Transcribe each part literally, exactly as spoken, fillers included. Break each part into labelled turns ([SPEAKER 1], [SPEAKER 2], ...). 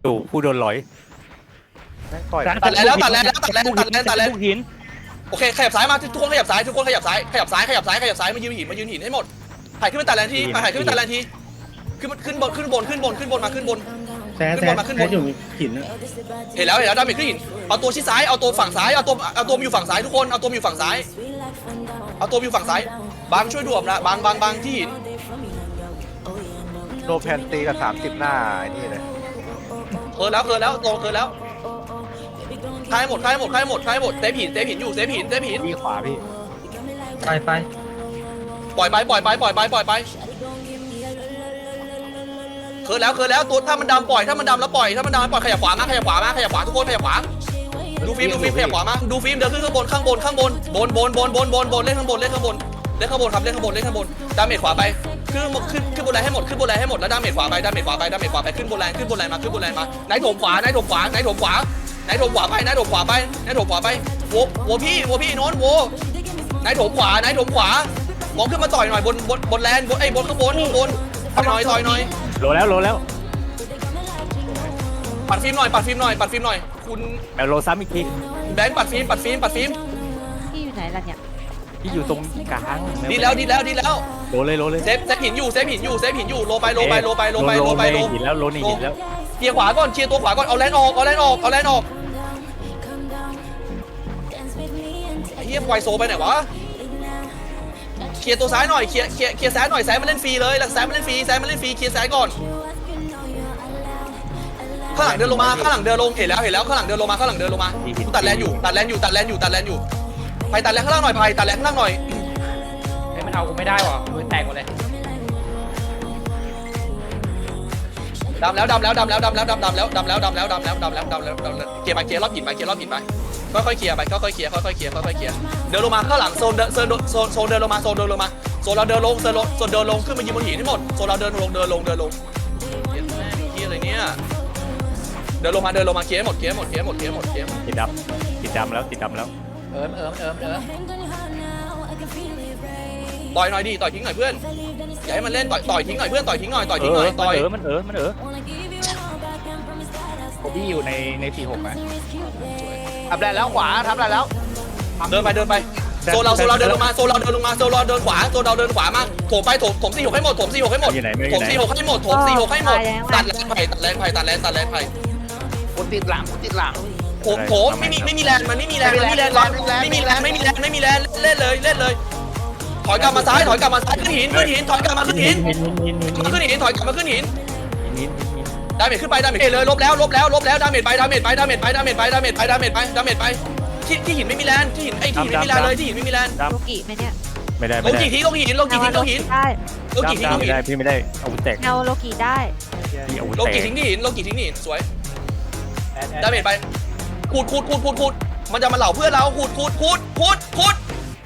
[SPEAKER 1] ดูผู้โดนลอย
[SPEAKER 2] ตัดแล้วตัดแล้วตัดแล้วตัดแล้วตัดแล้ว
[SPEAKER 1] หิน
[SPEAKER 2] โอเคขยับซ้ายมาทุกคนขยับซ้ายทุกคนขยับซ้ายขยับซ้ายขยับซ้ายขยับซ้ายมายืนหินมายืนหินให้หมดถ่ายขึ้นไปตัดแลนทีถ่ายขึ้นไปตัดแลนทีขึ้นขึ้นบนขึ้นบนขึ้นบนขึ้นบนมาขึ้นบน
[SPEAKER 3] แซ่แซ่แซ่อยู่หิน
[SPEAKER 2] เห็นแล้วเห็นแล้วดาเมจขึ้นหินเอาตัวชิดซ้ายเอาตัวฝั่งซ้ายเอาตัวเอาตัวอยู่ฝั่งซ้ายทุกคนเอาตัวอยู่ฝั่งซ้ายเอาตัวอยู่ฝั่งซ้ายบางช่วยดูนะบางบางบางที่หิน
[SPEAKER 4] โดแพนตีกับสามสิบหน้าไอ้นี่เลย
[SPEAKER 2] เคิร์แล้วเคิร์แล้วโตเคิร์แล้วคลายหมดคลายหมดคลายหมดคลายหมดเซฟหินเซฟหินอยู่เซฟหินเซฟหิน
[SPEAKER 1] พี่ขวาพี่
[SPEAKER 3] ไปไป
[SPEAKER 2] ปล่อยไปปล่อยไปปล่อยไปปล่อยไปเคิร์แล้วเคิร์แล้วตัวถ้ามันดำปล่อยถ้ามันดำแล้วปล่อยถ้ามันดำปล่อยขยับขวามาขยับขวามาขยับขวาทุกคนขยับขวาดูฟิล์มดูฟิล์มขยับขวามาดูฟิล์มเดินขึ้นข้างบนข้างบนข้างบนบนบนบนบนบนบนเล่นข้างบนเล่นข้างบนเล่นข้างบนครับเล่นข้างบนเล่นข้างบนดาเมจขวาไปขึ้นขึ้นขึ้นบนแรงให้หมดขึ้นบนแรงให้หมดแล้วดาเมจขวาไปดาเมจขวาไปดาเมจขวาไปขึ้นบนแรงขึ้นบนแรงมาขึ้นบนแรงมาไหนถมขวาไหนถมขวาไหนถมขวาไหนถมขวาไปไหนถมขวาไปไหนถมขวาไปโวโวพี่โวพี่โน้นโวไหนถมขวาไหนถมขวามองขึ้นมาต่อยหน่อยบนบนบนแลนบนไอ้บนข้างบนข้างบนต่อยหน่อยต่อยหน่อย
[SPEAKER 1] โลแล้วโลแล้ว
[SPEAKER 2] ปัดฟิล์มหน่อยปัดฟิล์มหน่อยปัดฟิล์มหน่อยคุณ
[SPEAKER 1] แมวโลซ้ำอีกที
[SPEAKER 2] แบงค์ปัดฟิล์มปัดฟิล์มปัดฟิล์ม
[SPEAKER 5] พี่อยู่ไหนล่ะเนี่ย
[SPEAKER 1] พี่อยู่ตรงกลาง
[SPEAKER 2] ดีแล้วดีแล้วดีแล้ว
[SPEAKER 1] โลเลยโลเลย
[SPEAKER 2] เซฟเซฟหินอยู่เซฟหินอยู่เซฟหินอยู่โลไปโลไปโลไปโลไปโลไปโล
[SPEAKER 1] หินแล้วโลนี่หินแล้ว
[SPEAKER 2] เคลียร์ขวาก่อนเคลียร์ตัวขวาก่อนเอาแลนออกเอาแลนออกเอาแลนออกไอ้เหี้ยไวโซไปไหนวะเคลียร์ตัวซ้ายหน่อยเคลียร์เคลียร์เคลียร์ซ้ายหน่อยซ้ายมาเล่นฟรีเลยหลังซ้ายมาเล่นฟรีซ้ายมาเล่นฟรีเคลียร์ซ้ายก่อนข้างหลังเดินลงมาข้างหลังเดินลงเห็นแล้วเห็นแล้วข้างหลังเดินลงมาข้างหลังเดินลงมาตัดแลนอยู่ตัดแลนอยู่ตัดแลนอยู่ตัดแลนอยู่ไปตัดแลนข้างล่างหน่อยไปตัดแลนข้างล่างหน่อย
[SPEAKER 6] เฮ้ยมันเอากูไม่ได้ว่ะมือแตกหมดเลย
[SPEAKER 2] ดำแล้วดำแล้วดำแล้วดำแล้วดำแล้วดำแล้วดำแล้วดำแล้วดำแล้วดำแล้วดำแล้วเคลียร์ไปเคลียร์รอบหินไปเคลียร์รอบหินไปค่อยๆเคลียร์ไปค่อยๆเคลียร์ค่อยๆเคลียร์ค่อยๆเคลียร์เดินลงมาข้างหลังโซนเดินโซนโซนโซนเดินลงมาโซนเดินลงมาโซนเราเดินลงโซนลงโซนเดินลงขึ้นมายืนบนหินให้หมดโซนเราเดินลงเดินลงเดินลงเหี้ยแม่งเหี้ยอะไรเนี่ยเดินลงมาเดินลงมาเคลียร์หมดเคลียร์หมดเคลียร์หมดเคลียร์หมดเคลียร์หมด
[SPEAKER 1] ติดดำติดดำแล้วติดดำแล้ว
[SPEAKER 6] เอิมเอิมเอิมเอิม
[SPEAKER 2] ต่อยหน่อยดิต่อยทิ้งหน่อยเพื่อนอย่าให้มันเล่นต่อยต่อยทิ้งหน่อยเพื่อนต่อยทิ้งหน่อยต่อย
[SPEAKER 1] เอ
[SPEAKER 2] ทิ้งหน่
[SPEAKER 1] อ
[SPEAKER 2] อยต่อย
[SPEAKER 1] มันเออมันเออมันเออพี่อยู่ในในสี่หกนะ
[SPEAKER 4] ทำได้แล้วขวาทำได้แล้ว
[SPEAKER 2] เดินไปเดินไปโซนเราโซนเราเดินลงมาโซนเราเดินลงมาโซนเราเดินขวาโซนเราเดินขวามาโถมไปโถมถมสี่หกให้หมดถมสี่หกให้หมด
[SPEAKER 1] อยู่ไหนไม่อ
[SPEAKER 2] ถ
[SPEAKER 1] ยู่
[SPEAKER 2] ม
[SPEAKER 1] ไหน
[SPEAKER 2] สี่หกให้หมดถมสี่หกให้หมดตัดแรงไผ่ตัดแรงไผ่ตัดแรงตัดแรงไผ่
[SPEAKER 4] กูติดหลังกูติดหลัง
[SPEAKER 2] โถมโถมไม่มีไม่มีแรงมันไม่มีแรงมันไม่มีแรงไม่มีแรงไม่มีแรงไม่มีแรงเล่นเลยเล่นเลยถอยกลับมาซ้ายถอยกลับมาซ้ายขึ้นหินขึ้นหินถอยกลับมาขึ้นหิน
[SPEAKER 1] หินหินหินหิน
[SPEAKER 2] ขึ้นหินถอยกลับมาขึ้นหิน
[SPEAKER 1] หินหิน
[SPEAKER 2] ดาเมจขึ้นไปดาเมจเลยลบแล้วลบแล้วลบแล้วดาเมจไปดาเมจไปดาเมจไปดาเมจไปดาเมจไปดาเมจไปดาเมจไปที่ที่หินไม่มีแรงที่หินไอ้ที่หินไม่มีแรงเลยที่หินไม่มีแรง
[SPEAKER 1] ด
[SPEAKER 5] โลกิไหมเนี่ย
[SPEAKER 1] ำไม่ได้
[SPEAKER 2] ล
[SPEAKER 1] ไม่
[SPEAKER 2] ง
[SPEAKER 1] ได้
[SPEAKER 2] กี่ทีลงหินลงกี่ทีลงหิน
[SPEAKER 5] ได้
[SPEAKER 2] ลงกี่ทีลง
[SPEAKER 1] ไม่
[SPEAKER 2] หิน
[SPEAKER 1] ได้พี่ไม่ได้อาวุธแตก
[SPEAKER 5] เงาโลกิได้
[SPEAKER 1] พี่อาวุธ
[SPEAKER 2] ลง
[SPEAKER 1] แตก
[SPEAKER 2] กี่ทิ้งที่หินลงกี่ทิ้งที่หินสวยดาเมจไปขูดขูดขูดขูดขูดมันจะมาเหล่าเพื่อนเราขูดขูดขูดขูดขูด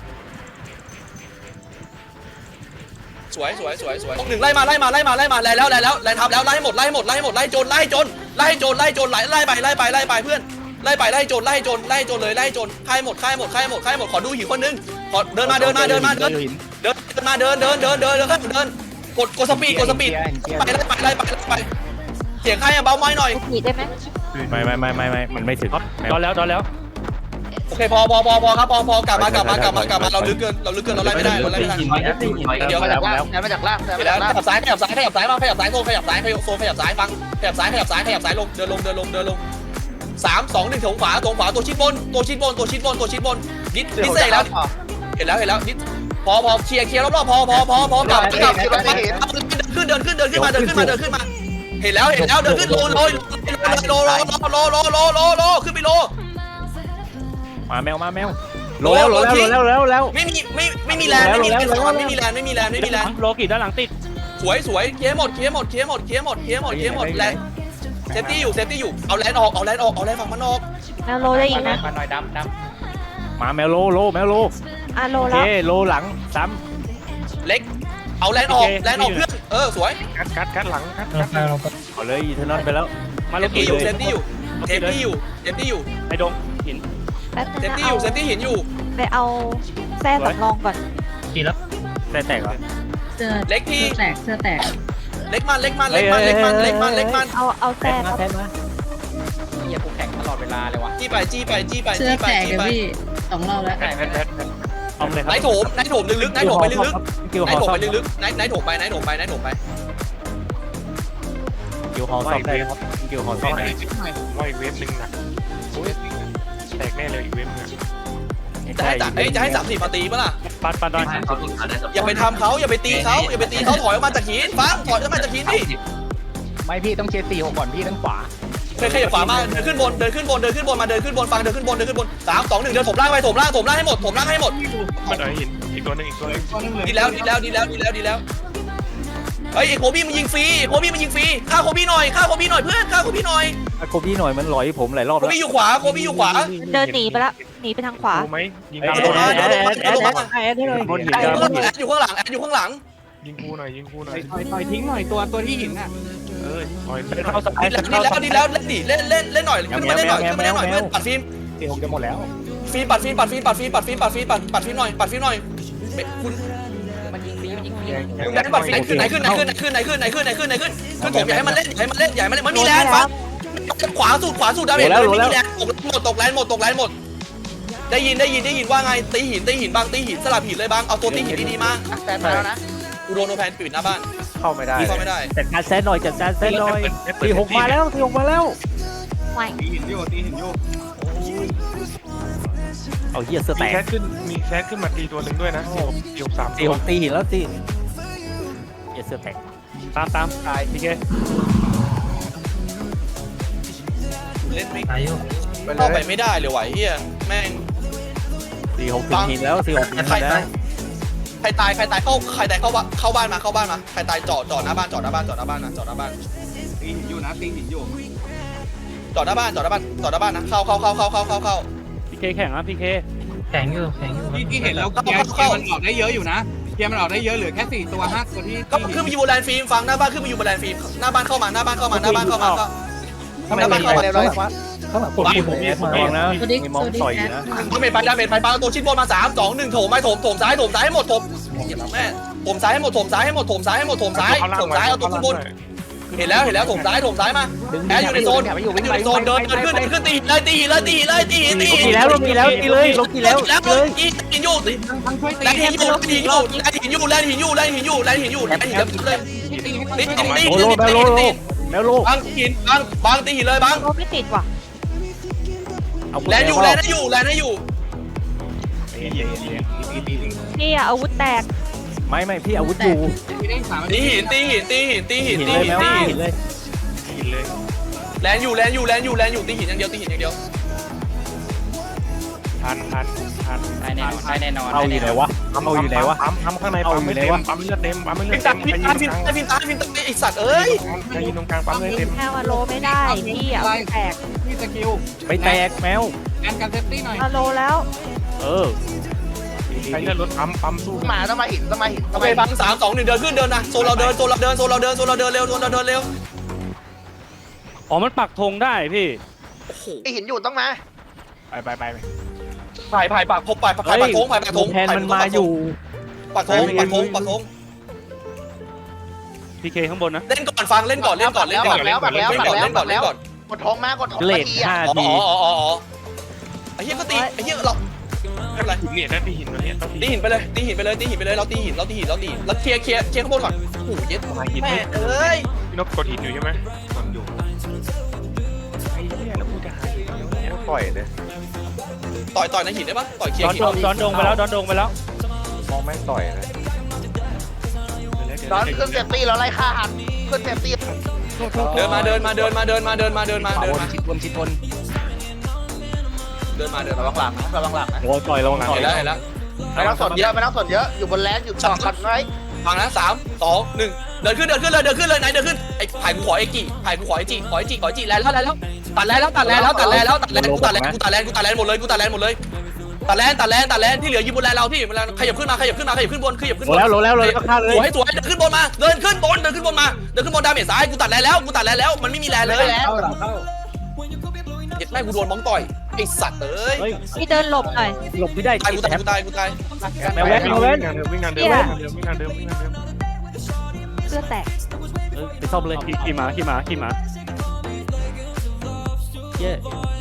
[SPEAKER 2] สวยสวยสวยสวยหนึ่งไล่มาไล่มาไล่มาไล่มาไล่แล้วไล่แล้วไล่ทับแล้วไล่หมดไล่หมดไล่หมดไล่โจรไล่โจรไล่โจรไล่โจรไล่ไล่ไปไล่ไปไล่ไปเพื่อนไล่ไปไล่โจรไล่โจรไล่โจรเลยไล่โจรค่ายหมดค่ายหมดค่ายหมดค่ายหมดขอดูหินคนนึงขอเดินมาเดินมาเดินมาเดินเดินเดินมาเดินเดินเดินเดินเดินเดินกดกดสปีดกดสปีดไปไล่ไปไล่ไปไล่ไปเสียงใครอะเบาไม้หน่อย
[SPEAKER 5] โลกิได้ไหม
[SPEAKER 1] ไม่ไม่ไม่ไม่ไม่มันไม่ถึงดอนแล้วดอนแล้ว
[SPEAKER 2] โอเคพอพอพอพอครับพอพอกลับมากลับมากลับมากลับมาเราลึกเกินเราลึกเกินเราไล่ไม่ได้เราไล่ไม่ได้เดี๋ยว
[SPEAKER 4] มาจากล่างมาจากล่าง
[SPEAKER 2] ไปแล้วขยับซ้ายขยับซ้ายขยับซ้ายมาขยับซ้ายโซนขยับซ้ายขยับโซนขยับซ้ายฟังขยับซ้ายขยับซ้ายขยับซ้ายลงเดินลงเดินลงเดินลงสามสองหนึ่งถงขวาถงขวาตัวชิดบนตัวชิดบนตัวชิดบนตัวชิดบนดิดดิดเสร็จแล้วเห็นแล้วเห็นแล้วดิดพอพอเคลียร์เคลียร์รอบๆพอพอพอพอกลับกลับกลับขึ้นเดินขึ้นเดินขึ้นมาเดินขึ้นมาเดินขึ้นมาเห็นแล้วเห็นแล้วเดินขึ้นโลโลโลโลโลโลโลโลโลขึ้นไปโล
[SPEAKER 1] มาแมวมาแมวโลแล้วโลแล้วโลแล้วแล้ว
[SPEAKER 2] ไม่มีไม่ไม่มีแรงไม่มีแรงไม่มีแรงไม่มีแรงไม่มีแรง
[SPEAKER 1] โลกิด้านหลังติด
[SPEAKER 2] สวยสวยเคลียร์หมดเคลียร์หมดเคลียร์หมดเคลียร์หมดเคลียร์หมดเคลียร์หมดแรงเซฟตี้อยู่เซฟตี้อยู่เอาแรงออกเอาแรงออกเอาแรงฝั่งมันออก
[SPEAKER 5] เงาโลได้อีกนะ
[SPEAKER 6] มาหน่อยดำด
[SPEAKER 1] มาแมวโลโลแมวโล
[SPEAKER 5] อ่ะโล
[SPEAKER 1] โอเค
[SPEAKER 5] แล้ว
[SPEAKER 1] โลหลังซ้
[SPEAKER 2] เล็กเอาแรงออกแรงออกเพื่อนเออสวย
[SPEAKER 1] ำคัดคัดคัดหลังคัด
[SPEAKER 3] เราไปเราไป
[SPEAKER 1] เอาเลยอีเทนอนไปแล้วมา
[SPEAKER 2] เซ
[SPEAKER 1] โล
[SPEAKER 2] ฟ
[SPEAKER 1] กิ
[SPEAKER 2] ตี้อยู่
[SPEAKER 1] เล
[SPEAKER 2] เซ
[SPEAKER 1] ย
[SPEAKER 2] ฟตี้อยู่เซฟตี้อยู่เซฟตี้อยู่
[SPEAKER 1] ไอ้ดงหิน
[SPEAKER 5] แป๊บนึง
[SPEAKER 2] เซฟ
[SPEAKER 5] นะ
[SPEAKER 2] ตี้อยู่เซฟตี้หินอยู่
[SPEAKER 5] ไปเอาแส้สำรองก่อน
[SPEAKER 3] กี่แล้ว
[SPEAKER 1] แต่แตกเหรอ
[SPEAKER 7] เสื้อ
[SPEAKER 2] เล็กที่
[SPEAKER 7] เสื้อแตกเสื้อแตก
[SPEAKER 2] เล็กมันเล็กมันเล็กมันเล็กมันเล็กมันเล็กมัน
[SPEAKER 5] เอาเอา
[SPEAKER 1] แต
[SPEAKER 5] แส้
[SPEAKER 1] กมา
[SPEAKER 5] มา
[SPEAKER 1] แตกมา
[SPEAKER 6] หี้ยกูแข่งตลอดเวลาเลยวะ
[SPEAKER 2] จี้ไปจี้ไปจี้ไป
[SPEAKER 7] เสื้อ
[SPEAKER 2] จี้ไป
[SPEAKER 7] แตก
[SPEAKER 2] จี้
[SPEAKER 7] เลย
[SPEAKER 2] ไป
[SPEAKER 7] พี่สองรอบแล้ว
[SPEAKER 6] แข่งแพทแพท
[SPEAKER 3] เอาเลยครั
[SPEAKER 2] ไหน
[SPEAKER 3] บ
[SPEAKER 2] โถมไหนโถมลึกๆไหนโถมไปลึก
[SPEAKER 3] กิว
[SPEAKER 2] ๆไหน
[SPEAKER 3] ฮอ
[SPEAKER 2] โถม
[SPEAKER 3] ซ่อ
[SPEAKER 2] ไป
[SPEAKER 3] ม
[SPEAKER 2] ลึกๆไหนไหนโถมไปไหนโถมไปไหนโถมไป
[SPEAKER 3] กิวฮอซ่อมได้ครับกิวฮอซ่อมได้
[SPEAKER 8] ว่าอีกเวฟหนึ่งหนักแตกแน่เลยอีกเวฟหนึ่ง
[SPEAKER 2] จะให้จัดเอ้ยจะให้สามสี่มาตีปะล่ะ
[SPEAKER 3] ปัดปัดดอย
[SPEAKER 2] อย่าไปทำเขาอย่าไปตีเขาอย่าไปตีเขาถอยออกมาจากหินฟังถอยออกมาจากหินดิ
[SPEAKER 6] ไม่พี่ต้องเชียร์สี่หกก่อนพี่ด้านขวา
[SPEAKER 2] เคยขยับขวามาเดินขึ้นบนเดินขึ้นบนเดินขึ้นบนมาเดินขึ้นบนฟังเดินขึ้นบนเดินขึ้นบนสามสองหนึ่งเดินถมล่างไปถมล่างถมล่างให้หมดถมล่างให้หมด
[SPEAKER 8] มันเอาหินอีกตัวหนึงอีกตัวหนึง
[SPEAKER 2] ดีแล้วดีแล้วดีแล้วดีแล้วดีแล้วเฮ้ยไอ้โคบี้มันยิงฟรีโคบี้มันยิงฟรีฆ่าโคบี้หน่อยฆ่าโคบี้หน่อยเพื่อนฆ่าโคบี้หน่อย
[SPEAKER 3] โคบี้หน่อยมันหลอยผมหลายรอบ
[SPEAKER 2] โค
[SPEAKER 3] แล้ว
[SPEAKER 2] บี้อยู่ขวาโคบี้อยู่ขวา
[SPEAKER 5] เดินหนีไปละหนีไปทางขวา
[SPEAKER 8] กูไหมยิง
[SPEAKER 3] แอ
[SPEAKER 8] ตาม
[SPEAKER 3] ด
[SPEAKER 8] กูหน่อย
[SPEAKER 3] แอดแอดแอดแอดแอดให้เลยบนหิน
[SPEAKER 2] แอ
[SPEAKER 3] กันบนหิน
[SPEAKER 2] ดอยู่ข้างหลังแอดอยู่ข้างหลัง
[SPEAKER 8] ยิงกูหน่อยยิงกูหน่อย
[SPEAKER 1] ต่อยต่อยทิ้งหน่อยตัวตัวที่หินอ่ะ
[SPEAKER 8] เออต่อย
[SPEAKER 3] เป็นเข้าสไต
[SPEAKER 2] ดี
[SPEAKER 3] ล์
[SPEAKER 2] แล้วดีแล้วดีแล้วเล่นดิเล่นเล่นเล่นหน่อยขึ้นมาเล่นหน่อยขึ้นมาเล่นหน่อยเพื่อนปัดฟิล์ม
[SPEAKER 3] สี่หกจะหมดแล้ว
[SPEAKER 2] ฟิล์มปัดฟิล์มปัดฟิล์มปัดฟิล์มปัดฟิล์มปัดฟิล์มปัดปัดฟิล์มหน่อยปัดฟิล์มหน่อยคุณ
[SPEAKER 6] มันยิงฟรีมันยิงฟรี
[SPEAKER 2] คุณไหนปัดฟิล์มไหนขึ้นไหนขึ้นไหนขึ้นไหนขึ้นไหนขึ้นไหนขึ้นไหนขึ้นขึ้นผมอยากให้มันเล่นอยากให้มันเล่นอยากให้มันเล่นมันมีแรงฟังขวาสุดขวาสุดดาเมจเลยไม่มีแรงหมดตกแรงหมดตกแรงหมดได้ยินได้ยินได้ยินว่าไงตีหินตีหินบางตีหินสลับหินเลยบางเอาตัวตีหินดีๆมา
[SPEAKER 4] แซนมาแล้วนะ
[SPEAKER 2] กูโดนโนแพนปิดหน้าบ้าน
[SPEAKER 4] เข้าไม่ได้
[SPEAKER 2] พี่เข้าไม่ได้
[SPEAKER 3] จัดการแซนหน่อยจัดการแซนหน่อยสี่หกมาแล้วสี่หกมาแล้ว
[SPEAKER 5] ไหว
[SPEAKER 1] ตีหินอยู่ตีหินอยู่
[SPEAKER 3] เอาเหี้ยเสื้อ
[SPEAKER 8] มี
[SPEAKER 3] แต
[SPEAKER 8] แค
[SPEAKER 3] ก
[SPEAKER 8] สขึ้นมีแคสขึ้นมาตีตัวหนึ่งด้วยนะเกี่ยวสาม
[SPEAKER 3] สี่หกตีหินแล้วสิเหี้ยเสื้อแตกตามตามตายพี่เค
[SPEAKER 2] เล่นไม่
[SPEAKER 3] ตายอยู่
[SPEAKER 2] เข้าไปไม่ได้เลยไหวเฮียแม่ง
[SPEAKER 3] สี่หกถึงหินแล้วสี่หกถึง
[SPEAKER 2] ใคร
[SPEAKER 3] หินแล้ว
[SPEAKER 2] ใครตายใครตายเข้าใครตายเข้าบ้านเข้าบ้านมาเข้าบ้านมาใครตายจอดจอดหน้าบ้านจอดหน้าบ้านจอดหน้าบ้านนะจอดหน้าบ้าน
[SPEAKER 1] ตีหินอยู่นะตีหินอยู่
[SPEAKER 2] จอดหน้าบ้านจอดหน้าบ้านจอดหน้าบ้านนะเข้าเข้าเข้าเข้าเข้าเข้าเข้า
[SPEAKER 3] พี่เคแข่งอ่ะพี่เคแข่งอยู่แข่งอยู่
[SPEAKER 1] ที่ที่เห็นแล้วเกียร์เกียร์มันออกได้เยอะอยู่นะเกียร์มันออกได้เยอะเหลือแค่สี่ตัวห้าตัวที่
[SPEAKER 2] ก็ขึ้นมาอยู่บนแลนด์ฟิล์มฟังหน้าบ้านขึ้นมาอยู่บนแลนด์ฟิล์มหน้าบ้านเข้ามาหน้าบ้านเข้ามาหน้าบ้านเข้ามาหน้าบ้านเข้ามา
[SPEAKER 4] เรียบร้อยว่า
[SPEAKER 3] ข้างหลังผมมีผมมีผมมองนะมีมองต่อยอยู่นะ
[SPEAKER 2] ดาเมจไปดาเมจไปปาตัวชิ้นบนมาสามสองหนึ่งโถมไปโถมโถมซ้ายโถมซ้ายให้หมดโถมเหี้ยแม่โถมซ้ายให้หมดโถมซ้ายให้หมดโถมซ้ายให้หมดโถมซ้ายโถมซ้ายเอาตัวขึ้นบนเห็นแล้วเห็นแล้วโถมซ้ายโถมซ้ายมาแอร์อยู่ในโซนอยู่ในโซนเดินเดินขึ้นเดินขึ้นตีเลยตีเลยตีเลยตีตี
[SPEAKER 3] มีแล้วลงมีแล้วตีเลยลงตีแล้ว
[SPEAKER 2] แล้ว
[SPEAKER 3] เลย
[SPEAKER 2] ยิงหินอยู่
[SPEAKER 1] ทั้งช่วยตี
[SPEAKER 2] แลนหินอยู่แลนหินอยู่แลนหินอยู่แลนหินอยู่แลนหินอยู่แลนหินอยู่แลนหินเลย
[SPEAKER 1] ตีให้
[SPEAKER 2] ตี
[SPEAKER 1] ตี
[SPEAKER 2] ตี
[SPEAKER 3] โอ้
[SPEAKER 2] ตี
[SPEAKER 3] โลแมวโล
[SPEAKER 2] ตี
[SPEAKER 3] แมวโล
[SPEAKER 2] บางหินบางบางตีหินเลยบาง
[SPEAKER 5] โอ้ไม่ติดว่ะ
[SPEAKER 2] แลนอยู่แลนให้อยู่แลนให้อยู่
[SPEAKER 5] นี่อะอาวุธแตก
[SPEAKER 3] ไม่ไม่พี่อาวุธอยู่
[SPEAKER 1] ตีได้สาม
[SPEAKER 2] ตีหินตีหินตีหินตีหิน
[SPEAKER 3] หิน
[SPEAKER 2] ตี
[SPEAKER 3] เลย
[SPEAKER 2] หิน
[SPEAKER 3] แมว
[SPEAKER 2] ตีหิ
[SPEAKER 3] หิ
[SPEAKER 2] น
[SPEAKER 3] นเลย
[SPEAKER 8] หินเลย
[SPEAKER 2] แลนอยู่แลนอยู่แลนอยู่แลนอยู่ตีหินอย่างเดียวตีหินอย่างเดียว
[SPEAKER 8] ทันทันทัน
[SPEAKER 6] ได้แน่นอนได้แน่นอน
[SPEAKER 3] เอาอยู่ไหนวะเอาอยู่ไหนวะ
[SPEAKER 8] ปั๊มปั๊มข้างในปั๊มไม่เต็มปั๊มเลือดเต็มปั๊มเลือ
[SPEAKER 2] พิ
[SPEAKER 8] ด
[SPEAKER 2] น
[SPEAKER 8] เต็
[SPEAKER 2] ตาม
[SPEAKER 8] ใคร
[SPEAKER 2] พิน
[SPEAKER 8] ยื
[SPEAKER 2] ตาน พิน
[SPEAKER 8] ตรงกลาง
[SPEAKER 2] ตาพินตาพินตาไอสัตว์เอ้ย
[SPEAKER 8] ใครยืนตรงกลางปั๊มเลือดเต็ม
[SPEAKER 5] แมวอะโลไม่ได้พี่อะอาวุธแตก
[SPEAKER 1] พี่สกิล
[SPEAKER 3] ไปแตกแมว
[SPEAKER 1] แอนกันเซฟตี้หน่อย
[SPEAKER 5] อะโลแล้ว
[SPEAKER 3] เออ
[SPEAKER 8] ใครเลือดรถปั๊มปั๊มสู้
[SPEAKER 4] มาต้องมาหินต้องมาหิน
[SPEAKER 2] โอ
[SPEAKER 4] ต้อง
[SPEAKER 2] เค
[SPEAKER 4] มาหิน
[SPEAKER 2] บังสามสองหนึ่งเดินขึ้นเดินนะโซนเราเดินโซนเราเดินโซนเราเดินโซนเราเดินเร็วโซนเราเดินเร็ว
[SPEAKER 3] อ๋อมันปักธงได้พี่
[SPEAKER 2] โอ้โห
[SPEAKER 4] ไอหินอยู่ต้องมา
[SPEAKER 8] ไปไปไป
[SPEAKER 2] ผ่ายผ่ายปากพบผ่ายผ่ายปากทงผ่ายปากทง
[SPEAKER 3] แทนมันมาอยู่
[SPEAKER 2] ปากทงปากทงปากทง
[SPEAKER 3] พีเคข้างบนนะ
[SPEAKER 2] เล่นก่อนฟังเล่นก่อนเล่นก่อนเล่นก่อนเล่นก่อนเล่นก่อนเล่นก่อนเล่นก่อน
[SPEAKER 4] กดทงมากดทง
[SPEAKER 3] เล
[SPEAKER 4] มา
[SPEAKER 3] ท
[SPEAKER 4] ทีอ่ะ
[SPEAKER 3] ห้า
[SPEAKER 2] อ๋อ
[SPEAKER 3] ที
[SPEAKER 2] อ๋ออ๋ออ๋อไอ้เหี้ยก็ตีไอ้เหี้ยเราไม่เป็นไร
[SPEAKER 8] หินเนี่ยได้ตีหินตัวเนี้ยต้องตี
[SPEAKER 2] ตีหินไปเลยตีหินไปเลยตีหินไปเลยเราตีหินเราตีหินเราตีแล้วเคลียร์เคลียร์เคลียร์ข้างบนก่อนโอ้โหเย็ด
[SPEAKER 8] มาหิน
[SPEAKER 2] แม่เอ้ย
[SPEAKER 8] พี่นกกดหินอยู่ใช่ไหมกดอยู่ไอ้เนี่ยแล้วกูจะหาหินเนี่ย
[SPEAKER 4] ปล่อยเลย
[SPEAKER 2] ต่อยต่อยในหินได้ปะต่อยเคลีย
[SPEAKER 3] ด
[SPEAKER 2] ร์
[SPEAKER 3] อน
[SPEAKER 2] หิน
[SPEAKER 3] ดงดอนดงไปแล้วดอนดงไปแล้ว
[SPEAKER 4] มองแม่งต่อยเลยตอนขึ้นเซฟตี้แล้วไล่ฆ่าหันขึ้นเซฟตี้
[SPEAKER 2] เดินมาเดินมาเดินมาเดินมาเดินมาเดินมาเดินมา
[SPEAKER 6] ชิดวนชิดวน
[SPEAKER 2] เดินมาเดิน
[SPEAKER 4] ระ
[SPEAKER 2] มา
[SPEAKER 4] วังหลังนะระวังหลังนะ
[SPEAKER 3] โอ้ต่อยระวังต่อย
[SPEAKER 2] เห็นแล้วเห็นแล้ว
[SPEAKER 4] ไม่ต้องสนเยอะไม่ต้องสนเยอะอยู่บนแลนด์อยู่จอดกันไว้
[SPEAKER 2] ฟังนะสามสองหนึ่งเดินขึ้นเดินขึ้นเลยเดินขึ้นเลยไหนเดินขึ้นไอ้ไผ่กูขอไอ้จีไผ่กูขอไอ้จีขอไอ้จีขอไอ้จีแล้วแล้วแล้วตัดแล้วตัดแล้วตัดแล้วตัดแล้วกูตัดแล้วกูตัดแล้วกูตัดแล้วกูตัดแล้วหมดเลยกูตัดแล้วหมดเลยตัดแล้วตัดแล้วตัดแล้วที่เหลือยืนบนแลนเราพี่บนแลนขยับขึ้นมาขยับขึ้นมาขยับขึ้นบนขยับขึ้น
[SPEAKER 3] โห
[SPEAKER 2] บน
[SPEAKER 3] แล้วโหแล้วเลยก็ฆ่าเลย
[SPEAKER 2] สวยสวยเดินขึ้นบนมาเดินขึ้นบนเดินขึ้นบนมาเดินขึ้นบนดาเมจซ้ายกูตัดแล้วแล้วกูตัดแล้วแล้วมันไม่มีแลนเลย
[SPEAKER 4] แล้ว
[SPEAKER 2] เด็กแม่กูโดนมองต่อยไอ้สัตว์เอ้ย
[SPEAKER 3] เฮ้ย
[SPEAKER 5] พี่เดินหลบหน่อย
[SPEAKER 3] หลบไม่ได้
[SPEAKER 2] ตายกูตายกูตายกูตาย
[SPEAKER 3] แมวแว้นแมวแว้น
[SPEAKER 8] วิ่งงานเดิมวิ่งงานเดิมวิ่งงานเดิมวิ่งงานเดิม
[SPEAKER 5] เสื้อแตก
[SPEAKER 3] ไปซ่อมเลยขี่หมาขี่หมาขี่หมาเย้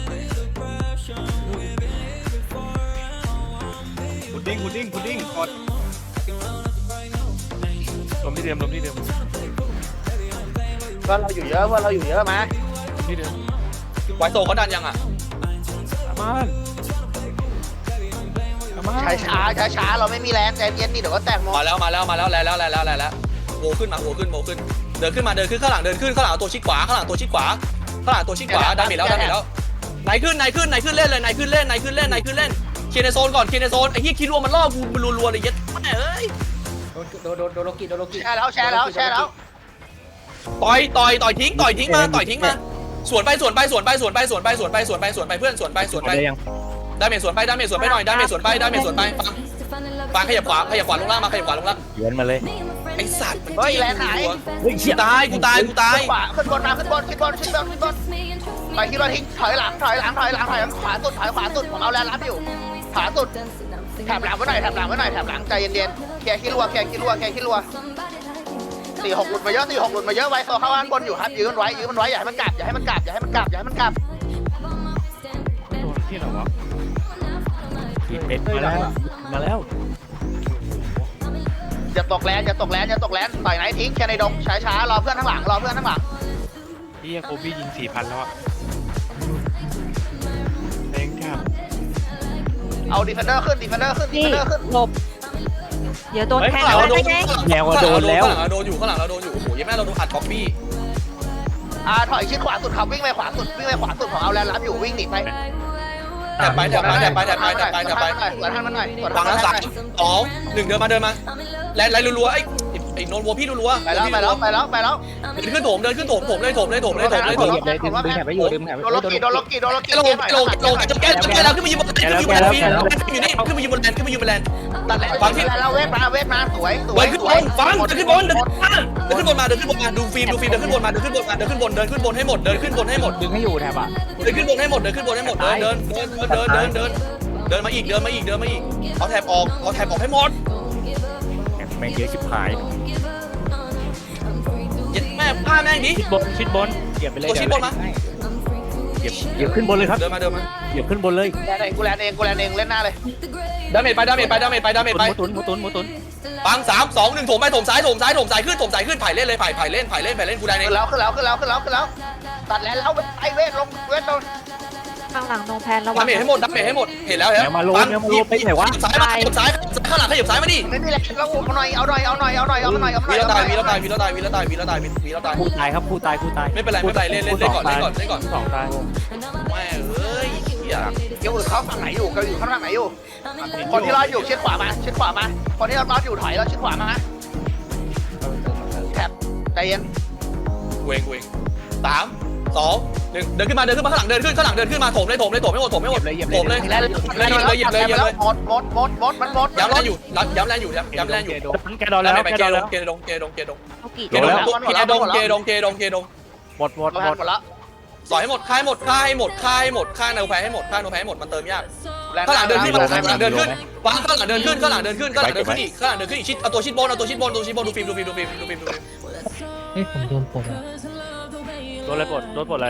[SPEAKER 8] พุดดิ้งพุดดิ้งพุดดิ้งกดลมที่เดิมลมที่เดิม
[SPEAKER 4] เพื่อนเราอยู่เยอะเพื่อนเราอยู่เยอะมา
[SPEAKER 8] ลมที่เดิม
[SPEAKER 2] ไวโซเขาดันยังอ่ะ
[SPEAKER 8] อามันอามัน
[SPEAKER 4] ช้าช้าช้าช้าๆเราไม่มีแรงใจเย็นนี่เดี๋ยวก็แตกหมด
[SPEAKER 2] มาแล้วมาแล้วมาแล้วแล้วแล้วแล้วแล้วแล้วโวขึ้นมาโวขึ้นโวขึ้นเดินขึ้นมาเดินขึ้นข้างหลังเดินขึ้นข้างหลังตัวชิดขวาข้างหลังตัวชิดขวาข้างหลังตัวชิดขวาดาเมจแล้วดาเมจแล้วไหนขึ้นไหนขึ้นไหนขึ้นเล่นเลยไหนขึ้นเล่นไหนขึ้นเล่นไหนขึ้นเล่นเคลียร์ในโซนก่อนเคลียร์ในโซนไอ้เหี้ยคิดรัวมันล่อกูมันรัวๆเลยเย็ดแม่เอ้ย
[SPEAKER 6] โดนโดนโดนโดนโลกิโดนโลกิ
[SPEAKER 4] แชร์แล้วแชร์แล้วแชร์แล้ว
[SPEAKER 2] ต่อยต่อยต่อยทิ้งต่อยทิ้งมาต่อยทิ้งมาสวนไปสวนไปสวนไปสวนไปสวนไปสวนไปสวนไปสวนไปเพื่อนสวนไปสวนไป
[SPEAKER 3] ได้ยัง
[SPEAKER 2] ดาเมจสวนไปดาเมจสวนไปหน่อยดาเมจสวนไปดาเมจสวนไปฟังฟังขยับขวาขยับขวาลงล่างมาขยับขวาลงล่าง
[SPEAKER 3] เยือนมาเลย
[SPEAKER 2] ไอ้สัตว์
[SPEAKER 4] เฮ้ยแรงไหน
[SPEAKER 3] เฮ้ย
[SPEAKER 2] กู
[SPEAKER 3] เชี่ย
[SPEAKER 2] ตายกูตายกูตาย
[SPEAKER 4] ขวาขึ้นบนมาขึ้นบนขึ้นบนขึ้นบนขึ้นบนไปที่เราทิ้งถอยหลังถอยหลังถอยหลังถอยหลังขวาสุดถอยขวาสุดผมเอาแรงรับอยู่ขวาสุดแถบหลังไว้หน่อยแถบหลังไว้หน่อยแถบหลังใจเย็นๆเคลียร์ขี้รัวเคลียร์ขี้รัวเคลียร์ขี้รัวสี่หกหลุดมาเยอะสี่หกหลุดมาเยอะไว้โซเข้าด้านบนอยู่ครับยืนมันไว้ยืนมันไว้อย่าให้มันกลับอย่าให้มันกลับอย่าให้มันกลับอย่าให้มันกลับ
[SPEAKER 8] โดนที่ไหนวะ
[SPEAKER 3] ขีดเป็ดมาแล้วมาแล้ว
[SPEAKER 4] อย่าตกแลนอย่าตกแลนอย่าตกแลนต่อยไหนทิ้งแค่ในดงช้าช้ารอเพื่อนข้างหลังรอเพื่อนข้างหลัง
[SPEAKER 8] พี่โคบี้ยิงสี่พันแล้วอ่ะแรงจับ
[SPEAKER 4] เอาดีเฟนเดอร์ขึ้นดีเฟนเดอร์ขึ้นดี
[SPEAKER 5] นี่
[SPEAKER 4] เฟนเดอร์ขึ้น
[SPEAKER 5] หลบเดี๋ยวโดน
[SPEAKER 2] เฮ้ย
[SPEAKER 5] แท
[SPEAKER 2] ข้าง งหลัง
[SPEAKER 5] แล้
[SPEAKER 2] เรา
[SPEAKER 5] ว
[SPEAKER 2] โด
[SPEAKER 5] ได้
[SPEAKER 2] น
[SPEAKER 5] ไง
[SPEAKER 3] แนวโดนแล้ว
[SPEAKER 2] ข้างหลังเราโดนอยู่ข้างหลังเราโดนอยู่โอ้โหยังแม่เราโดนอัดก๊อปปี้
[SPEAKER 4] อ่าถอยชิดขวาสุดครับวิ่งไปขวาสุดวิ่งไปขวาสุดผมเอาแลนรับอยู่วิ่งหนีไป
[SPEAKER 2] แถบไปแถบไปแถบไปแถบไปแถบไปแถบไป
[SPEAKER 4] สวนท่านมันหน่อยสวน
[SPEAKER 2] ฟั
[SPEAKER 4] ท่าง นมัน
[SPEAKER 2] นะ
[SPEAKER 4] ห
[SPEAKER 2] สา
[SPEAKER 4] น่
[SPEAKER 2] ม
[SPEAKER 4] อย
[SPEAKER 2] สองหนึ่งเดินมาเดินมาแลนไลน์รัวๆไอ้ไอ้โนนวัวพี่รัวๆ
[SPEAKER 4] ไปแล้วไปแล้วไปแล้วไปแล้ว
[SPEAKER 2] เดินขึ้นโถมเดินขึ้นโถมโถมเลยโถมเลยโถมเลยโถมเลยโถม
[SPEAKER 6] เหยียบเลยดึงดึงแถบไว้อยู่ดึงแถบไว้
[SPEAKER 4] โดนล็อกกี้โดนล็อกกี้โดนล็อกกี้
[SPEAKER 2] ลงลงลงจะแก้จะแก้แล้วขึ้นมายืนบนขึ้นมายืนบนแลนด์อยู่นี่ขึ้นมายืนบนแลนด์ขึ้นมายืนบนแลนด์
[SPEAKER 4] ตัดแล้วฟังที่แล้วเวทมาเวทมาสวยสว
[SPEAKER 2] เดิ
[SPEAKER 4] ย
[SPEAKER 2] นขึ้น
[SPEAKER 4] ส
[SPEAKER 2] บ
[SPEAKER 4] วย
[SPEAKER 2] นฟังเดินขึ้นบนเดินขึ้นบนมาเดินขึ้นบนมาดูฟิล์มดูฟิล์มเดินขึ้นบนมาเดินขึ้นบนมาเดินขึ้นบนเดินขึ้นบนให้หมดเดินขึ้นบนให้หมด
[SPEAKER 6] ดึงให้อยู่แถบอ่ะ
[SPEAKER 2] เดินขึ้นบนให้หมดเดินขึ้นบนให้หมดเดินเดินเดินเดินเดินเดินเดินมาอีกเดินมาอีกเดินมาอีกเอาแถบออกเอาแถบออกให้หมด
[SPEAKER 3] แม่งเยอะชิบหาย
[SPEAKER 2] ยัดแม่ผ้าแม่งดิ
[SPEAKER 3] ชิดบนชิดบน
[SPEAKER 6] เหยียบไปเลย
[SPEAKER 3] เหยียบเหยียบขึ้นบนเลยครับ
[SPEAKER 2] เดินมาเดินมา
[SPEAKER 3] เหยียบขึ้นบนเลย
[SPEAKER 4] แลนเองกูแลนเองกูแลนเองเล่นหน้าเลย
[SPEAKER 2] ดาเมจไปดาเมจไปดาเมจไปดาเมจ
[SPEAKER 3] ห
[SPEAKER 2] ไป
[SPEAKER 3] มูตุนหมูตุนหมูตุน
[SPEAKER 2] ปังสามสองหนึ่งถมไปถมซ้ายถมซ้ายถมซ้ายขึ้นถมซ้ายขึ้นไผ่เล่นเลยไผ่ไผ่เล่นไผ่เล่นไผ่เล่นกูได้เอง
[SPEAKER 4] ขึ้นแล้วขึ้นแล้วขึ้นแล้วขึ้นแล้วขึ้นแล้วตัดแล้วแล้วไอเวทลงเวทลง
[SPEAKER 5] ข้างหลังโนแพนระวั
[SPEAKER 2] ดาง เมจให้หมดดาเมจให้หมดเห็นแล้วเห็น
[SPEAKER 3] แนวมาโลแนวมาโลไปไหนวะ
[SPEAKER 2] ซ้ายมาขยับซ้ายข้างหลังขยับซ้ายมาดิ
[SPEAKER 4] ไม่มีแรงแล้วเอาหน่อยเอาหน่อยเอาหน่อยเอาหน่อยเอาหน่อยเอาหน่อย
[SPEAKER 2] วีแล้วตายวีแล้วตายวีแล้วตายวีแล้วตายวีแล้วตายวีแล้วตาย
[SPEAKER 3] ผู้ตายครับผู้ตายผู้ตาย
[SPEAKER 2] ไม่เป็นไรไม่เป็นไรเล่นเล่นเล่นก่อนเล่นก่อนเล่นก่อน
[SPEAKER 3] สองตาย
[SPEAKER 2] แม่เอ้ยเหี้ย
[SPEAKER 4] เกี่ยวอื่นเขาฝั่งไหนอยู่เขาอยู่ข้างไหนอยู่คนที่รอดอยู่ชิดขวามาชิดขวามาคนที่รอดอยู่ถอยแล้วชิดขวามาแถบใจเย็น
[SPEAKER 2] เวงเวงสามสองหนึ่งเดินขึ้นมาเดินขึ้นมาข้างหลังเดินขึ้นข้างหลังเดินขึ้นมาถมเลยถมเลยถมไม่หมดถมไม่หมดถมเลย
[SPEAKER 4] แล้ว
[SPEAKER 2] เลยเลยเหยียบเลยเหยียบเลย
[SPEAKER 4] หมดหมดหมดหมดมันหมด
[SPEAKER 2] ย้ำแรงอยู่ย้ำแรงอยู่ย้ำแรงอยู่
[SPEAKER 3] แกโดนแล้ว
[SPEAKER 2] ไป
[SPEAKER 3] แก
[SPEAKER 2] เก
[SPEAKER 3] โดน
[SPEAKER 2] ด
[SPEAKER 3] แล้ว
[SPEAKER 2] งเกดงเกดงเกดง
[SPEAKER 5] โลกิ
[SPEAKER 2] เกดงเกดงเกดงเกดงเกดง
[SPEAKER 3] หมดหมด
[SPEAKER 4] หมด
[SPEAKER 3] หมด
[SPEAKER 4] หมดแล้ว
[SPEAKER 2] สอยให้หมดค่ายหมดค่ายหมดค่ายหมดค่ายโนแพ้ให้หมดค่ายโนแพ้ให้หมดมันเติมยากข้างหลังเดินขึ้นมาข้างหลังเดินขึ้นวางข้างหลังเดินขึ้นข้างหลังเดินขึ้นข้างหลังเดินขึ้นอีกข้างหลังเดินขึ้นอีกชิดเอาตัวชิดบนเอาตัวชิดบนตัวชิดบนดูฟิล์มดูฟิล์มดูฟิล์มดูฟิล์มดูฟิล์ม
[SPEAKER 1] เฮ้ยผมโดนปลดอ่ะ
[SPEAKER 3] โดนอะไรปลดโดนปลดอะไร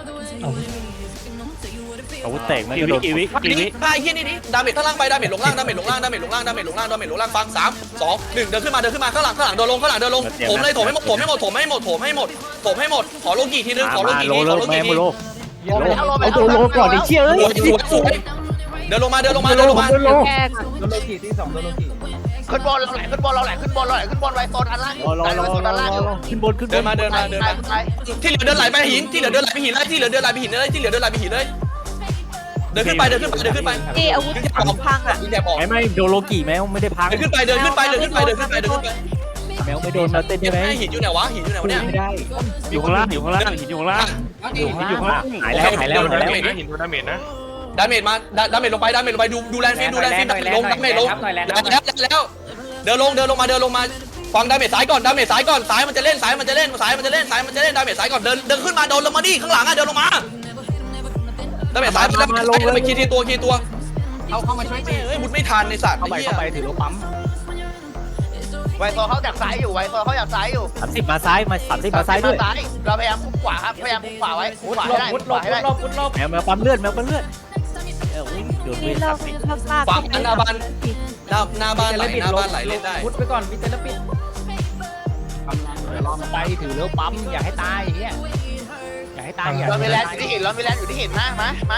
[SPEAKER 3] อาวุธแตกมันโดนกี่วิกี่วิ
[SPEAKER 2] ค่ายเฮี้ยนี่ดิดาเมจข้างล่างไปดาเมจลงล่างดาเมจลงล่างดาเมจลงล่างดาเมจลงล่างดาเมจลงล่างฟังสามสองหนึ่งเดินขึ้นมาเดินขึ้นมาข้างหลังข้างหลังเดินลงข้างหลังเดินลงถมเลยถมให้หมดถมให้หมดถมให้หมดถมให้หมดถมให้หมดขอโลกี่ทีนึงขอโลกี่
[SPEAKER 3] โล
[SPEAKER 2] ที
[SPEAKER 3] โล
[SPEAKER 2] ขอโล
[SPEAKER 3] แม่
[SPEAKER 2] กี่ที
[SPEAKER 3] โล
[SPEAKER 4] เอา
[SPEAKER 3] โดนโลก่อนไอ้เชี่ยเอ้ย
[SPEAKER 2] สวยสวยเดินลงมาเดินลงมาเดินลงมา
[SPEAKER 3] โดนโล
[SPEAKER 5] แกล้งอะ
[SPEAKER 6] โดนโลกิที่สองโดนโลกิ
[SPEAKER 4] ขึ้นบอลเราแหลกขึ้นบอลเราแหลกขึ้นบอลเราแหลกขึ้นบอลไว้โซนอันล่างอยู่
[SPEAKER 3] รอรอ
[SPEAKER 4] ไว้โซนอันล่างอยู่
[SPEAKER 3] ขึ้นบนขึ้นบ
[SPEAKER 2] เดิน
[SPEAKER 3] น
[SPEAKER 2] มาเดินมาเดินมาที่เหลือเดินไหลไปหินที่เหลือเดินไหลไปหินเลยที่เหลือเดินไหลไปหินเลยที่เหลือเดินไหลไปหินเลยเดินขึ้นไปเดินขึ้นไปเดินขึ้นไป
[SPEAKER 5] นี่อาวุธพังอ่ะ
[SPEAKER 2] ยิงแถบออก
[SPEAKER 3] ไม่ไม่โดนโลกี่แมวไม่ได้พัง
[SPEAKER 2] เดินขึ้นไปเดินขึ้นไปเดินขึ้นไปเดินขึ้นไปเดินขึ้นไป
[SPEAKER 3] แมวไม่โดนมาเต้น
[SPEAKER 2] ยั
[SPEAKER 3] ใช่
[SPEAKER 2] ง
[SPEAKER 3] ไหม
[SPEAKER 2] ไงหินอยู่ไหนวะหินอยู่ไหนวะเนี่ย
[SPEAKER 3] ไม่ได้อยู่ข้างล่างอยู่ข้างล่างหินอยู่ข้างล่างอยู่ข้างล่างหายแล้วหายแล้วหายแล้ว
[SPEAKER 8] นะหินโดนดาเมจนะ
[SPEAKER 2] ดาเมจมาดาเมจลงไปดาเมจลงไปดูดูแลนฟิล์มดูแลนฟิล์มลงดาเมจลงแล้วแล้วเดินลงเดินลงมาเดินลงมาฟังดาเมจซ้ายก่อนดาเมจซ้ายก่อนซ้ายมันจะเล่นซ้ายมันจะเล่นซ้ายมันจะเล่นซ้ายมันจะเล่นดาเมจซ้ายก่อนเดินเดินขึ้นมาเดินลงมาดิข้างหลังอ่ะเดินลงมาดาเมจซ้ายมาลงไปคีทีตัวคีตัว
[SPEAKER 6] เอาเข้ามาช่วย
[SPEAKER 2] เฮ้ยมุดไม่ทันในสัตว์
[SPEAKER 6] เข้าไป
[SPEAKER 2] ไอ้เหี้ย
[SPEAKER 6] เข้าไปถือรถปั๊ม
[SPEAKER 2] ม
[SPEAKER 4] ไวโซเขาจากซ้ายอยู่ไวโซเขาจากซ้ายอยู่
[SPEAKER 3] สามสิบมาซ้ายมาสามสิบมาซ้ายด้วย
[SPEAKER 4] เราพยายามคุมขวาครับพยายามคุมขวาไว้คุม
[SPEAKER 6] มุด
[SPEAKER 4] ขวา
[SPEAKER 6] หล
[SPEAKER 4] ให้
[SPEAKER 6] บ
[SPEAKER 4] ได้
[SPEAKER 6] มุดหล
[SPEAKER 4] ขวา
[SPEAKER 6] บ
[SPEAKER 4] ให้
[SPEAKER 6] มุ
[SPEAKER 4] ได้
[SPEAKER 6] ดหลบมุดหลบ
[SPEAKER 3] แมวแมวปั๊มเลือดแมวปั๊มเลือดเออวิ่งโดนเว
[SPEAKER 5] พี่
[SPEAKER 3] ท
[SPEAKER 5] เลิ
[SPEAKER 3] สาก มสิบ
[SPEAKER 5] เลิกลาก
[SPEAKER 2] ฝั่งหน้าบ้านหน้าหน้าบ้านไหลหน้าบ้านไหลเล่นได้
[SPEAKER 6] มุดไปก่อนมีเตลปิดเดี๋ยวรอมันไปถือแล้วปั๊มอย่าให้ตายอย่างเงี้ยอย่าให้ตายอย่า
[SPEAKER 4] เรามี
[SPEAKER 6] ให้
[SPEAKER 4] แล
[SPEAKER 6] ตาน ย
[SPEAKER 4] อยู่ที่หินเรามีแลนอยู่ที่หินมามามา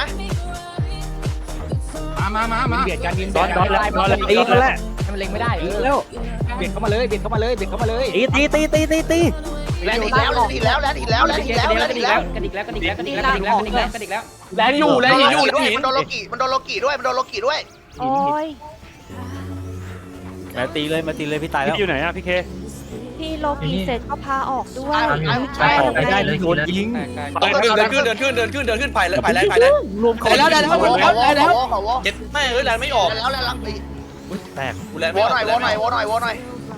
[SPEAKER 6] มามามามาเบียดกันยิง
[SPEAKER 3] ดอนดอนแล้วดอนแล้วตีกันแล้ว
[SPEAKER 6] ให้มันเล็งไม่ได้เอ
[SPEAKER 3] ตี
[SPEAKER 6] อ
[SPEAKER 3] แล้ว
[SPEAKER 6] เบียดเข้ามาเลยเบียดเข้ามาเลยเบียดเข้ามาเลย
[SPEAKER 3] ตีตีตีตีตีตี
[SPEAKER 4] แลนอีกแล้วแลนอีกแล้วแลนอีกแล้วแลนอีกแล้วแลนอีกแล้ว
[SPEAKER 6] กระดิกแล้วกระดิกแล้วกระดิกแล้วกระดิกแล้วกระดิกแล้วกระดิกแล้ว
[SPEAKER 2] แรงอยู่แรงหินอยู่แรงหิน
[SPEAKER 4] มันโดนโลกิมันโดนโลกิด้วยมันโดนโลกิด้วย
[SPEAKER 5] โอ้ย
[SPEAKER 3] แมวตีเลยมาตีเลยพี่ตายแล้ว
[SPEAKER 8] อยู่ไหนอะพี่เค
[SPEAKER 5] พี่โลกีเสร็จก็พาออกด้วย
[SPEAKER 3] ใช่ออกไม่ได้เลยโดนยิง
[SPEAKER 2] เดินขึ้นเดินขึ้นเดินขึ้นเดินขึ้นเดินขึ้นไปเลยไปเลยไปเลย
[SPEAKER 3] รวม
[SPEAKER 2] ไปแล้วได้แล้ว
[SPEAKER 4] ขอวอขอวอขอวอ
[SPEAKER 2] เจ็ดแม่เอ้ยแรงไม่ออก
[SPEAKER 4] แล้วแล้วแล้ว
[SPEAKER 3] แตก
[SPEAKER 2] กูแรง
[SPEAKER 4] ว
[SPEAKER 2] ไม่
[SPEAKER 4] อ
[SPEAKER 2] ออก
[SPEAKER 4] หน่อยวอหน่อยวอหน่อยวอหน่อย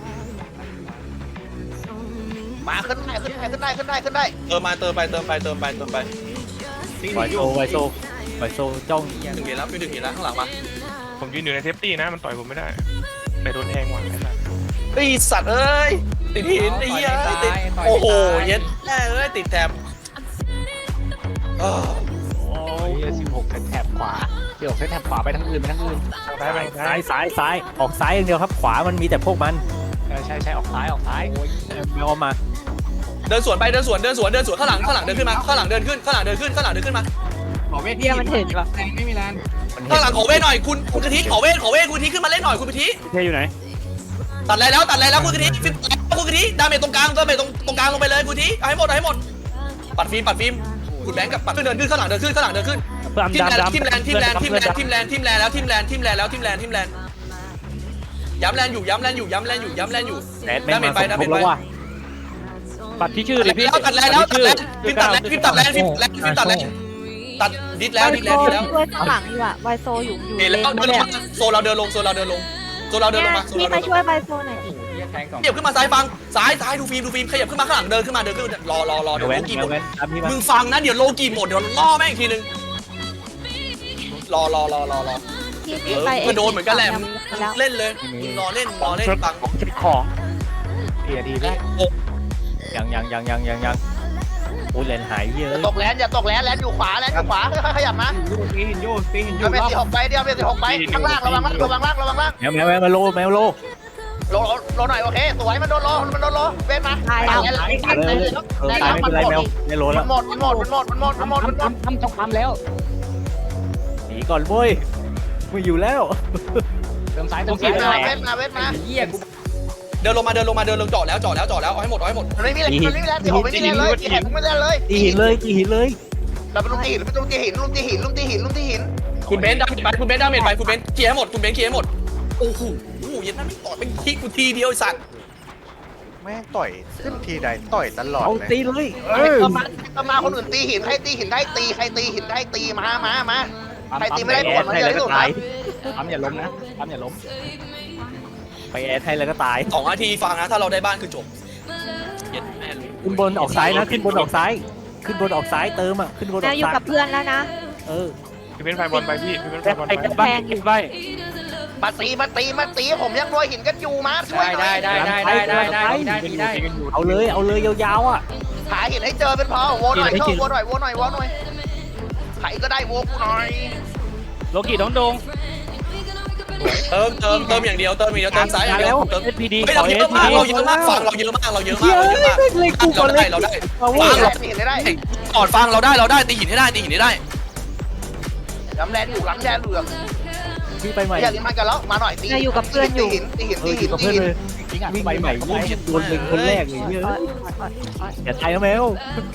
[SPEAKER 4] มาขึ้นได้ขึ้นได้ขึ้นได้ขึ้นได้ขึ้นได้
[SPEAKER 2] เติมมาเติมไปเติมไปเติมไปเติมไป
[SPEAKER 3] ไวโซไวโซไวโซจ้อง
[SPEAKER 2] ถึงเห็นแล้วพี่ถึงเห็นแล้วข้างหลังมา
[SPEAKER 8] ผมยืนอยู่ในเทปตี้นะมันต่อยผมไม่ได้แต่โดนแทงว่ะไอ้สัส
[SPEAKER 2] ไอสัตว์เอ้ยติดหินไอ้เหี้ยติดโอ้โหเย็ดแม่เอ้ยติดแถบ
[SPEAKER 3] โอ้ยสิบหกเป็นแถบขวา
[SPEAKER 6] เดี๋ยวเส้นแถบขวาไปทางอื่นไปทางอื่น
[SPEAKER 8] ซ้ายไปซ้า
[SPEAKER 3] ซ้าย ยซ้ายซ้ายออกซ้ายอย่างเดียวครับขวามันมีแต่พวกมัน
[SPEAKER 6] เออใช่ใช่ออกซ้ายออกซ้าย
[SPEAKER 3] แมวเอามา
[SPEAKER 2] เดินสวนไปเดินสวนเดินสวนเดินสวนข้างหลังข้างหลังเดินขึ้นมาข้างหลังเดินขึ้นข้างหลังเดินขึ้นข้างหลังเดินขึ้นมา
[SPEAKER 6] ขอเวท
[SPEAKER 5] เดียวมันถึงเหรอ
[SPEAKER 6] แรงไม่มีแรง
[SPEAKER 3] มัน
[SPEAKER 2] ข้างหลังขอเวทหน่อยคุณคุณกะทิขอเวทขอเวทคุณกะทิขึ้นมาเล่นหน่อยคุณกะทิ
[SPEAKER 8] พี่เคอยู่ไหน
[SPEAKER 2] ตัดอะไรแล้วตัดอะไรแล้วคุณกะทิฟิล์มคุณกะทิดาเมจตรงกลางดาเมจตรงตรงกลางลงไปเลยคุณกะทิเอาให้หมดเอาให้หมดปัดฟิล์มปัดฟิล์มคุณแบงค์กับปัดเดินขึ้นข้างหลังเดินขึ้นข้างหลังเดินขึ้น
[SPEAKER 8] เพื่อน
[SPEAKER 2] ทิม
[SPEAKER 8] ดำ
[SPEAKER 2] แลน
[SPEAKER 8] ดำ
[SPEAKER 2] ทิมแลนทิมแลนทิมแลนทิมแลนทิมแลนแล้วทิมแลนทิมแลนแล้วทิมแลนทิมแลนย้ำแลนอยู่ย้ำแลนอยู่ย้ำแลนอยู่ย้ำแลนอยู่
[SPEAKER 3] แอดแม่งมาสมทบแล้วว่ะ
[SPEAKER 8] ปัดที่ชื่อ
[SPEAKER 2] ตั
[SPEAKER 8] เล
[SPEAKER 2] ด
[SPEAKER 8] ยพี่
[SPEAKER 2] แล้วตัดแล้วตัดแล้วฟิล์มตัดแล้วฟิล์มตัดแล้วฟิล์มตัดแล้วฟิล์มตัดแล้วตัดดิดแล้วดิดแล้วดิดแล้ว
[SPEAKER 5] ช่วยข้างหลังอยู่อะไวโซอยู่อยู่
[SPEAKER 2] เห็นแล้ว
[SPEAKER 5] เลน
[SPEAKER 2] เดินลงมาโซเราเดินลงโซเราเดินลงโซเราเดินลงมาโซ
[SPEAKER 5] พี่
[SPEAKER 2] เรา
[SPEAKER 5] มา
[SPEAKER 2] เดินล
[SPEAKER 5] ช่วย
[SPEAKER 2] ง
[SPEAKER 5] ไวโซหน่อย
[SPEAKER 6] แทงสอง
[SPEAKER 2] ขยับขึ้นมาซ้ายฟังซ้ายซ้ายดูฟิล์มดูฟิล์มขยับขึ้นมาข้างหลังเดินขึ้นมาเดินขึ้นรอรอรอ
[SPEAKER 3] แม
[SPEAKER 2] เดี๋ยว
[SPEAKER 3] วแว้
[SPEAKER 2] โล
[SPEAKER 3] น
[SPEAKER 2] กี
[SPEAKER 3] แม
[SPEAKER 2] หม
[SPEAKER 3] ว
[SPEAKER 2] ด
[SPEAKER 3] แว้นตามพี่มา
[SPEAKER 2] มึงฟังนะเดี๋ยวโลกีหมดเดี๋ยวล่อแม่งอีกทีนึงรอรอรอรอรอ
[SPEAKER 5] พี่
[SPEAKER 2] เอ
[SPEAKER 5] พี่
[SPEAKER 2] อ
[SPEAKER 5] ไป
[SPEAKER 2] ก็โดนเหมือนกันแหละมึง
[SPEAKER 5] แล้ว
[SPEAKER 2] เล่นเลยมึงรอเล่นรอเล่นฟัง
[SPEAKER 8] เช็คของ
[SPEAKER 6] เบียดดีได้
[SPEAKER 3] ยังยังยังยังยังยังโอ้ยเลนหายเยอะ
[SPEAKER 4] อย่าตกแลนอย่าตกแลนแลนอยู่ขวาแลนอยู่ขวาค่อยๆขยับมา
[SPEAKER 6] ตีหินโยตีหินโย
[SPEAKER 4] เดี๋ยวเมตีหกไปเดี๋ยวเมตีหกไปข้างล่างระวังล่างระวังล่างระวังล่าง
[SPEAKER 3] แมวแมวแมวมาโลแมวโล
[SPEAKER 4] โลโลหน่อยโอเคสวยมันโดนโลมันโดนโลเว้นมา
[SPEAKER 5] ตายแล้ว
[SPEAKER 3] เลยเออตายไม่เป็นไรแมวไม่โล
[SPEAKER 4] มั
[SPEAKER 3] แล้
[SPEAKER 4] น
[SPEAKER 3] ว
[SPEAKER 4] หมดมันหมดมันหมดมันหมดมันหมดมันหมด
[SPEAKER 6] ทำทำต้องทำแล้ว
[SPEAKER 3] หนีก่อนเว้ยไม่อยู่แล้ว
[SPEAKER 6] เติมซ้าย
[SPEAKER 4] เว
[SPEAKER 6] เติมซ้าย
[SPEAKER 4] ทมาเวทมาเวทมา
[SPEAKER 6] เหี้ยกู
[SPEAKER 2] เดินลงมาเดินลงมาเดินลงเจาะแล้วเจาะแล้วเจาะแล้วเอาให้หมดเอาให้หมด
[SPEAKER 4] มันไม่มีแรงมันไม่มีแรงตีหกไม่มีแรงเลยตีแขนไม่มีแรงเลย
[SPEAKER 3] ตีหินเลยตีหินเลย
[SPEAKER 4] เราไปลุงตีหินไปลุงตีหินลุงตีหินลุงตีหินลุงตีหิน
[SPEAKER 2] คุณเบนซ์ดาเมจไปคุณเบนซ์ดาเมจไปคุณเบนซ์เคลียร์ให้หมดคุณเบนซ์เคลียร์ให้หมดโอ้โหยันนั่นไม่ต่อเป็นทีกูทีเดียวไอ้สัตว์
[SPEAKER 7] แม่งต่อยขึ้นทีใดต่อยตลอด
[SPEAKER 3] เอา
[SPEAKER 7] เลย
[SPEAKER 3] ตีเลยเอ
[SPEAKER 4] เอ
[SPEAKER 3] อ
[SPEAKER 4] อมาก็มาคนอื่นตีหินให้ตีหินได้ตีใครตีหินได้ตีมามามาใครตีไม่ได้ผลมัน
[SPEAKER 3] ให้
[SPEAKER 4] เยอะ
[SPEAKER 3] แล้ว
[SPEAKER 4] ที่
[SPEAKER 3] ก็
[SPEAKER 4] สุด
[SPEAKER 3] ตาย
[SPEAKER 6] ทำอย่าล้มนะทำอย่าล้ม
[SPEAKER 3] ไปแอดให้แล้วก็ตาย
[SPEAKER 2] สองนาทีฟังนะถ้าเราได้บ้านคือจบเย็นแม่เลย
[SPEAKER 3] ขึ้นบนออกซ้ายนะขึ้นบนออกซ้าย ขึ้นบนออกซ้ายเติมอ่ะขึ้นบนอ
[SPEAKER 5] แม
[SPEAKER 3] อ
[SPEAKER 5] ว
[SPEAKER 3] ก
[SPEAKER 5] อยู่
[SPEAKER 3] ซ้าย
[SPEAKER 5] กับเพื่อนแล้วนะ
[SPEAKER 3] เออ
[SPEAKER 8] พี่เป็นไฟบอลไปพี่พี่เป็นไฟบอล
[SPEAKER 3] ไอ้
[SPEAKER 8] ไป
[SPEAKER 3] กระบ้าเก็บไว้
[SPEAKER 4] มาตีมาตีมาตีผมยังรวยหินกันอยู่มาช่วย
[SPEAKER 6] ได้
[SPEAKER 4] หน่
[SPEAKER 6] ได้
[SPEAKER 4] อย
[SPEAKER 6] ได้ได้ได้ได้ได้ได้ได้
[SPEAKER 3] เอาเลยเอาเลยยาวๆอ่ะ
[SPEAKER 4] หาหินให้เจอเป็นพอโวหน่อยเข้าโวหน่อยโวหน่อยโวหน่อยใครก็ได้โวกูหน่อย
[SPEAKER 8] โลกิน้องโดง
[SPEAKER 2] เติมเติมเติมอย่างเดียวเติมอย่างเดียวเติมซ้ายอย่างเดี
[SPEAKER 3] แล้
[SPEAKER 2] ยว วเติม
[SPEAKER 8] เอสพีดี
[SPEAKER 2] เฮ้ย
[SPEAKER 8] ขอ
[SPEAKER 2] เรา
[SPEAKER 8] เอ
[SPEAKER 2] เย
[SPEAKER 8] ส
[SPEAKER 2] อะ
[SPEAKER 8] พี
[SPEAKER 2] มาก
[SPEAKER 8] ดี
[SPEAKER 2] เราเยอะมากฟังเราเยอะมากเราเยอะมากเราเยอะมาก
[SPEAKER 3] เลยกูก่อน
[SPEAKER 2] เรา
[SPEAKER 3] เล
[SPEAKER 2] ได้
[SPEAKER 3] ย
[SPEAKER 2] เราได้
[SPEAKER 3] เอา
[SPEAKER 2] ฟั
[SPEAKER 3] เว้
[SPEAKER 2] ง
[SPEAKER 3] ย
[SPEAKER 2] เรา
[SPEAKER 4] ตีหินได้ได้
[SPEAKER 2] ก่อนฟังเราได้เราได้ตีหินให้ได้ตีหินให้ได้
[SPEAKER 4] ลำแรงอยู่ลำแรงเหลือง
[SPEAKER 3] พี่ไปใหม่
[SPEAKER 4] อย่าลิ้นมันกันแล้วมาหน่อยตีตีหินตีหิน
[SPEAKER 3] เอ
[SPEAKER 4] ตี
[SPEAKER 3] ออ
[SPEAKER 4] หิ
[SPEAKER 3] ยู่
[SPEAKER 4] น
[SPEAKER 3] กับ
[SPEAKER 4] ตี
[SPEAKER 3] เพื่อน
[SPEAKER 4] หิน
[SPEAKER 3] เลย
[SPEAKER 6] ทิ้งอ่ะ
[SPEAKER 3] วิ่ง
[SPEAKER 6] ใบ
[SPEAKER 3] ไป
[SPEAKER 6] ให
[SPEAKER 3] ให
[SPEAKER 6] ม่
[SPEAKER 3] ม่วิ่งโดนเป็นคนแรกเลยเยอะอย่าตายนะแมว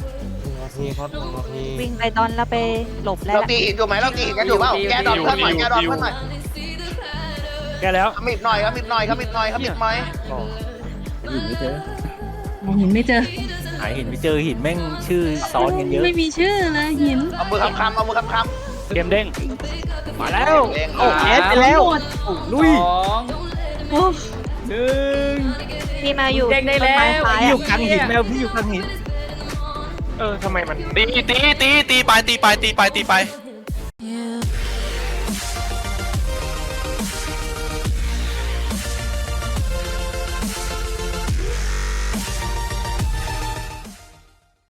[SPEAKER 5] วิ่งไปตอนแล้วไปหลบแล้ว
[SPEAKER 4] เราตีหินอยู่ไหมเราตีหินกันอยู่เปล่าแกดอนเพื่อนหน่อยแกดอนเพื่อนหน่อย
[SPEAKER 8] แกแล้ว
[SPEAKER 4] ขมิบหน่อยขมิบหน่อยขมิบหน่อยขมิบหน่อย
[SPEAKER 3] หินไม่เจอ
[SPEAKER 9] มองหินไม่เจอ
[SPEAKER 3] หายหินไม่เจอหินแม่งชื่อซ้อนกันเยอะ
[SPEAKER 9] ไม่มีชื่อเลยหิน
[SPEAKER 4] เอามือคำคำเอามือคำคำ
[SPEAKER 8] เกมเด้ง
[SPEAKER 3] มาแล้ว
[SPEAKER 4] เอง
[SPEAKER 3] โอ้แอดไปแล้ว
[SPEAKER 9] หมด
[SPEAKER 3] ลุย
[SPEAKER 6] สอง
[SPEAKER 9] โอ้
[SPEAKER 6] หนึ่ง
[SPEAKER 5] พี่มาอยู่
[SPEAKER 6] เด้งได้แล้ว
[SPEAKER 5] ต้นม้ซ้าย
[SPEAKER 3] พี่อ
[SPEAKER 5] อะ
[SPEAKER 3] ยู่กลางหินแมวพี่อยู่กลางหิน
[SPEAKER 8] เออทำไมมัน
[SPEAKER 2] ตีตีตีตีไปตีไปตีไปตีไป